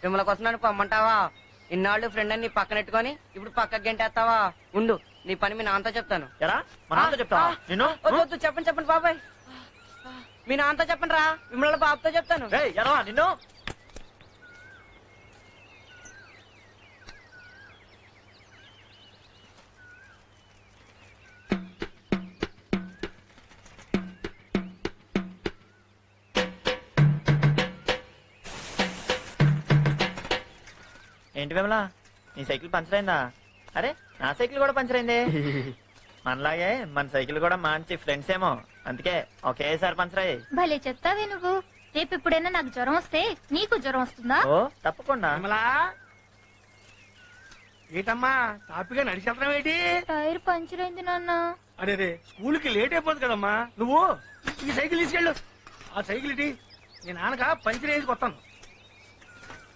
విమల కోసం నన్ను పొమ్మంటావా? ఇన్నాళ్ళు ఫ్రెండ్ అని నీ పక్కనెట్టుకొని ఇప్పుడు పక్కకి గంటేస్తావా? ఉండు, నీ పని మీ నాన్నతో చెప్తాను. వద్దు, చెప్పండి చెప్పండి బాబాయ్, మీ నాన్నతో చెప్పండి రా. విమల బాబుతో చెప్తాను. నిన్ను ఏంటి విమలా, నీ సైకిల్ పంచర్ అయిందా? అరే నా సైకిల్ కూడా పంచర్ అయింది. మనలాగే మన సైకిల్ కూడా మంచి ఫ్రెండ్స్ ఏమో, అందుకే ఒకేసారి పంచర్ అయ్యాయి. భలే చెప్తావే నువ్వు. రేపు ఎప్పుడైనా నాకు జ్వరం వస్తే నీకు జ్వరం వస్తుందా? ఓ తప్పకుండా. ఏటమ్మా తాపిగా నడిచెళ్తాం ఏంటి? టైర్ పంచర్ అయింది నాన్న. అరే స్కూల్ కి లేట్ అయిపోతుంది కదమ్మా. నువ్వు ఈ సైకిల్ తీసుకెళ్ళు. ఆ సైకిల్ ఇటీ, నీ నాన్నక పంచర్ వేసి కొత్తాను.